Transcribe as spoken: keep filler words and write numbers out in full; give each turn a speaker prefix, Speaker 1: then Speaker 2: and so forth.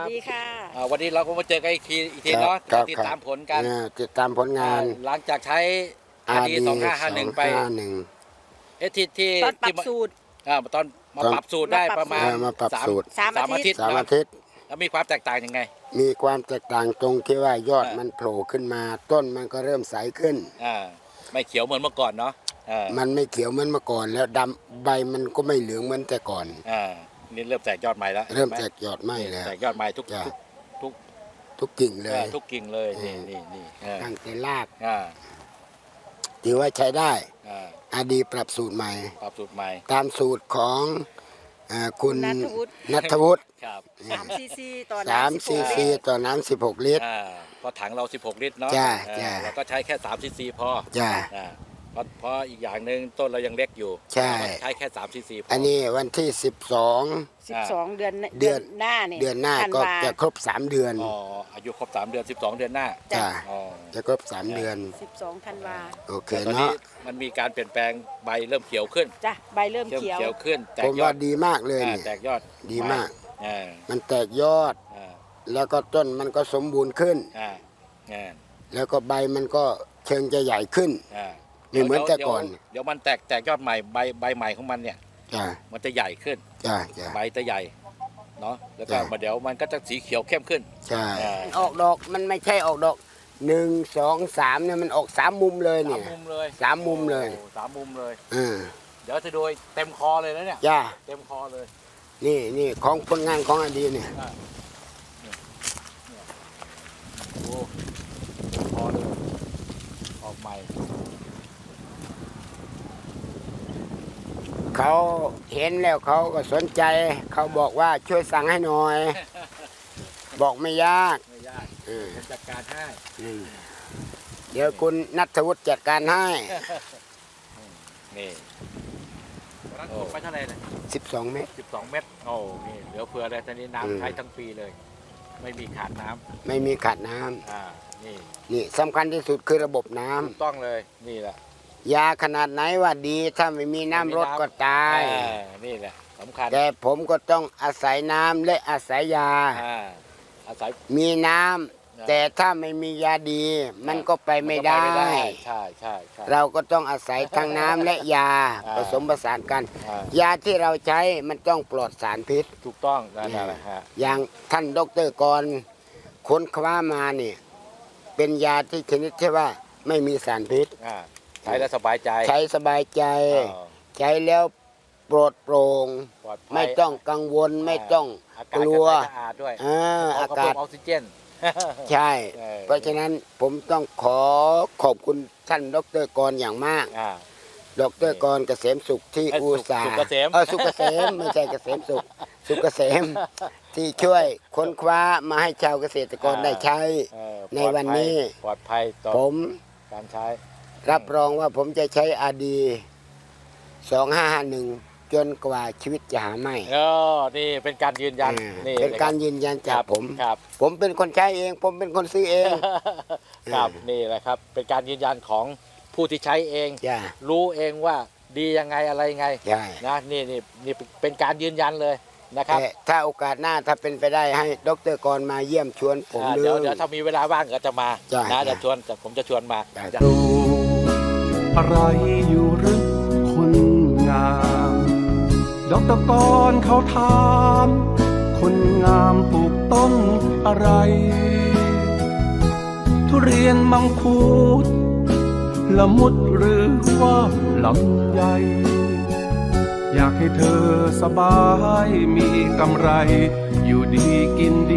Speaker 1: วัสดีค่ะ
Speaker 2: วันนี้เราก็มาเจอกันอีกทีอีกทีเนาะติดตามผลกัน
Speaker 3: ติดตามผลงาน
Speaker 2: หลังจากใช้อาดีสองห้าห้าหนึ่งไปเอที่ที่
Speaker 1: ตอนปรับสูตร
Speaker 2: ตอนมาปรับสูตรได้ประมาณ
Speaker 3: มาปรับสูตร
Speaker 1: สามอาทิตย์
Speaker 3: สามอาทิตย์
Speaker 2: แล้วมีความแตกต่างยังไง
Speaker 3: มีความแตกต่างตรงที่ว่ายอดมันโผล่ขึ้นมาต้นมันก็เริ่มใสขึ้น
Speaker 2: อ่าไม่เขียวเหมือนเมื่อก่อนเนาะ
Speaker 3: มันไม่เขียวเหมือนเมื่อก่อนแล้วดำใบมันก็ไม่เหลืองเหมือนแต่ก่อน
Speaker 2: อ่านี่เริ่มแตกยอดใหม่แล้ว
Speaker 3: เริ่มแตกยอดใหม่แล้ว
Speaker 2: แตกยอดใหม่ทุกทุก
Speaker 3: ทุกกิ่งเลย
Speaker 2: ทุกกิ่งเลยนี่นี่นี่
Speaker 3: ตั้งแต่รากถือว่าใช้ได้อาดีปรับสูตรใหม่
Speaker 2: ปรับสูตรใหม่
Speaker 3: ตามสูตรของคุณณัฐวุฒิ
Speaker 1: สามซีซีต่อ
Speaker 3: น้ำสามซีซีต่อน้ำสิบหกลิตร
Speaker 2: พอถังเราสิบหกลิตรเนาะเราก็ใช้แค่สามซีซีพอ
Speaker 3: จ้า
Speaker 2: เพราะเพราะอีกอย่างหนึ่งต้นเรายังเล็กอยู่
Speaker 3: ใช่
Speaker 2: ใช้แค่สามซีซี
Speaker 3: อันนี้วันที่สิบสอง
Speaker 1: สิบสองเดือนเดือนหน้าเนี่ย
Speaker 3: เดือนหน้าก็จะครบสามเดือน
Speaker 2: อ๋ออายุครบสามเดือนสิบสองเดือนหน้า
Speaker 3: จ้าจะครบสามเดือน
Speaker 1: สิบสองธันวา
Speaker 3: โอเคเนาะ
Speaker 2: มันมีการเปลี่ยนแปลงใบเริ่มเขียวขึ้น
Speaker 1: จ้ะใบเริ่มเขียว
Speaker 2: เขียวขึ้นแต
Speaker 3: กยอดผมว่าดีมากเลย
Speaker 2: แตกยอด
Speaker 3: ดีมากมันแตกยอดแล้วก็ต้นมันก็สมบูรณ์ขึ้นแล้วก็ใบมันก็เชิงจะใหญ่ขึ้นไม่เหมือนแต่ก่อน
Speaker 2: เดี๋ยวมันแตกแตกยอดใหม่ใบใบใหม่ของมันเนี่ยมันจะใหญ่ขึ้นใบจะใหญ่เนาะแล้วก็มาเดี๋ยวมันก็จะสีเขียวเข้มขึ้น
Speaker 3: ใช่ออกดอกมันไม่ใช่ออกดอกหนึ่งสองสามเนี่ยมันออกสามมุมเลยเนี่ย
Speaker 2: สามมุมเลย
Speaker 3: สามมุมเลย
Speaker 2: สามมุมเลย
Speaker 3: เ
Speaker 2: ดี๋ยวจะโดยเต็มคอเลยนะเนี่ย
Speaker 3: จ้า
Speaker 2: เต็มคอเลย
Speaker 3: นี่นี่ของผลงานของอดีเนี่ย
Speaker 2: โอ้คอเลยออกใหม่
Speaker 3: เขาเห็นแล้วเขาก็สนใจเขาบอกว่าช่วยสั่งให้หน่อยบอกไม่ยาก
Speaker 2: ไม่ยากจัดการให้
Speaker 3: เดี๋ยวคุณณัฐวุฒิจัดการให้
Speaker 2: นี่โอ้ไปเท่าไหร่เลย
Speaker 3: สิบสองเมตร
Speaker 2: สิบสองเมตรโอ้นี่เหลือเฟือเลยตอนนี้น้ำใช้ทั้งปีเลยไม่มีขาดน้ำ
Speaker 3: ไม่มีขาดน้
Speaker 2: ำอ่านี่
Speaker 3: นี่สำคัญที่สุดคือระบบน้ำ
Speaker 2: ถูกต้องเลยนี่แหละ
Speaker 3: ยาขนาดไหนว่าดีถ้าไม่มีน้ำรดก็ตาย
Speaker 2: นี่แหละสำคัญ
Speaker 3: แต่ผมก็ต้องอาศัยน้ำและอาศัยยา
Speaker 2: อาศัย
Speaker 3: มีน้ำแต่ถ้าไม่มียาดีมันก็ไปไม่ได้
Speaker 2: ใช่ใช่
Speaker 3: เราก็ต้องอาศัยทั้งน้ำและยาผสมผสานกันยาที่เราใช้มันต้องปลอดสารพิษ
Speaker 2: ถูกต้องนั่นแหละฮะ
Speaker 3: อย่างท่านดร.กรค้นคว้ามาเนี่ยเป็นยาที่ชนิดที่ว่าไม่มีสารพิษ
Speaker 2: ใช้แล้วสบายใจ
Speaker 3: ใช้สบายใจใช้แล้วโปรดโปร่งไม่ต้องกังวลไม่ต้องกลัว
Speaker 2: อากาศออกซิเจน
Speaker 3: ใช่เพราะฉะนั้นผมต้องขอขอบคุณท่านดร.กรอย่างมากดร.กรเกษมสุขที่อุตส่าห์เออสุขเกษมไม่ใช่เกษมสุขสุขเกษมที่ช่วยค้นคว้ามาให้ชาวเกษตรกรได้ใช้ในวันนี้
Speaker 2: ปลอดภัยต่อ
Speaker 3: ผม
Speaker 2: การใช้
Speaker 3: รับรองว่าผมจะใช้อาดีสองห้าห้าหนึ่งจนกว่าชีวิตจะหาไม่
Speaker 2: เออนี่เป็นการยืนยัน
Speaker 3: นี่เป็นการยืนยันจากผมผมเป็นคนใช้เองผมเป็นคนซื้อเอง
Speaker 2: ครับนี่แหละครับเป็นการยืนยันของผู้ที่ใช้เองรู้เองว่าดียังไงอะไรยังไงนะนี่นี่นี่เป็นการยืนยันเลยนะครับ
Speaker 3: ถ้าโอกาสหน้าถ้าเป็นไปได้ให้ดร.กรมาเยี่ยมชวนผม
Speaker 2: เดี๋ยวเดี๋ยวถ้ามีเวลาว่างก็จะมานะจะชวนผมจะชวนมา
Speaker 4: ดูอะไรอยู่หรือคนงามดร.กรเขาถามคนงามปลูกต้นอะไรทุเรียนมังคุดละมุดหรือว่าลำไยอยากให้เธอสบายมีกำไรอยู่ดีกิน